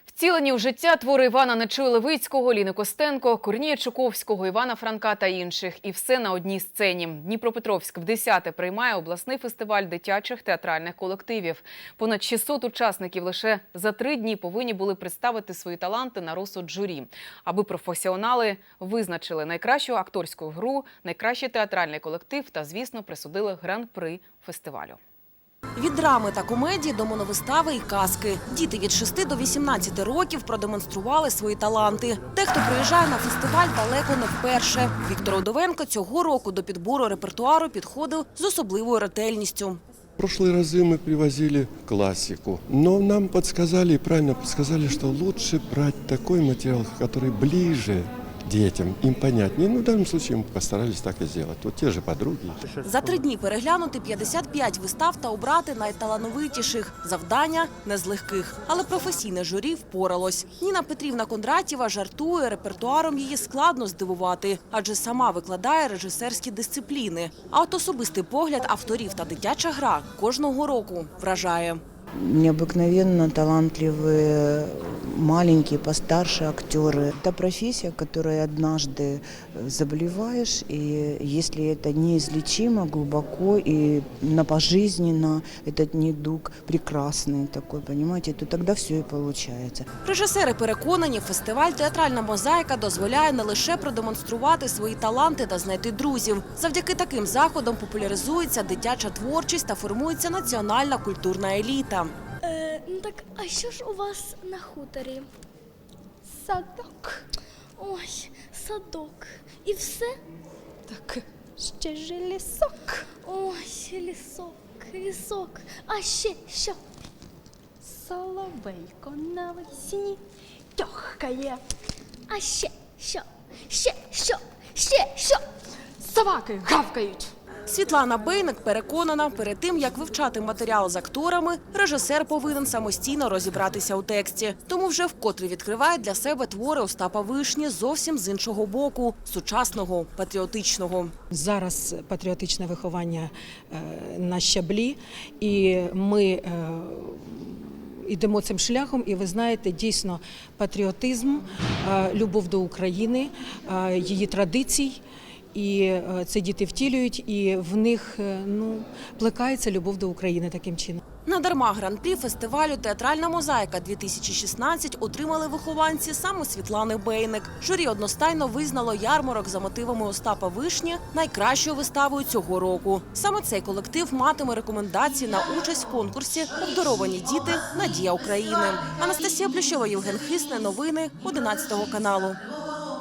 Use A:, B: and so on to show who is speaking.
A: Втілені в життя твори Івана Нечуя-Левицького, Ліни Костенко, Корнія Чуковського, Івана Франка та інших. І все на одній сцені. Дніпропетровськ вдесяте приймає обласний фестиваль дитячих театральних колективів. Понад 600 учасників лише за 3 дні повинні були представити свої таланти на розсуд журі. Аби професіонали визначили найкращу акторську гру, найкращий театральний колектив та, звісно, присудили гран-при фестивалю.
B: Від драми та комедії до моновистави і казки. Діти від 6 до 18 років продемонстрували свої таланти. Дехто приїжджає на фестиваль далеко не вперше. Віктор Удовенко цього року до підбору репертуару підходив з особливою ретельністю.
C: В прошлые разы мы привозили классику, но нам подсказали, правильно подсказали, что лучше брать такой материал, который ближе детям, им понятнее. Ну, в данном случае мы постарались так и сделать. Вот те же подруги.
B: За 3 дні переглянути 55 вистав та обрати найталановитіших. Завдання не з легких. Але професійне журі впоралось. Ніна Петрівна Кондратєва жартує, репертуаром її складно здивувати, адже сама викладає режисерські дисципліни. А от особистий погляд авторів та дитяча гра кожного року вражає.
D: Необыкновенно талантливые, маленькие, постарше актеры. Это профессия, которой однажды заболеваешь, и если это неизлечимо, глубоко и пожизненно, этот недуг прекрасный такой, понимаете, то тогда все и получается.
B: Режисери переконані, фестиваль «Театральна мозаїка» дозволяє не лише продемонструвати свої таланти та знайти друзів. Завдяки таким заходам популяризується дитяча творчість та формується національна культурна еліта.
E: Ну так, а що ж у вас на хуторі? Садок. Ой, садок. І все? Так, ще ж лісок. Ой, лісок. А ще що? Соловейко навесні тьохкає. А ще що? Ще що? Собаки гавкають.
B: Світлана Бейник переконана, перед тим, як вивчати матеріал з акторами, режисер повинен самостійно розібратися у тексті. Тому вже вкотре відкриває для себе твори Остапа Вишні зовсім з іншого боку – сучасного, патріотичного.
F: Зараз патріотичне виховання на щаблі, і ми йдемо цим шляхом, і ви знаєте, дійсно патріотизм, любов до України, її традицій. І це діти втілюють, і в них плекається любов до України таким чином.
B: Надарма гран-прі фестивалю «Театральна мозаїка-2016» отримали вихованці саме Світлани Бейник. Журі одностайно визнало «Ярмарок» за мотивами Остапа Вишні найкращою виставою цього року. Саме цей колектив матиме рекомендації на участь в конкурсі «Обдаровані діти. Надія України». Анастасія Плющова, Євген Хисне. Новини 11 каналу.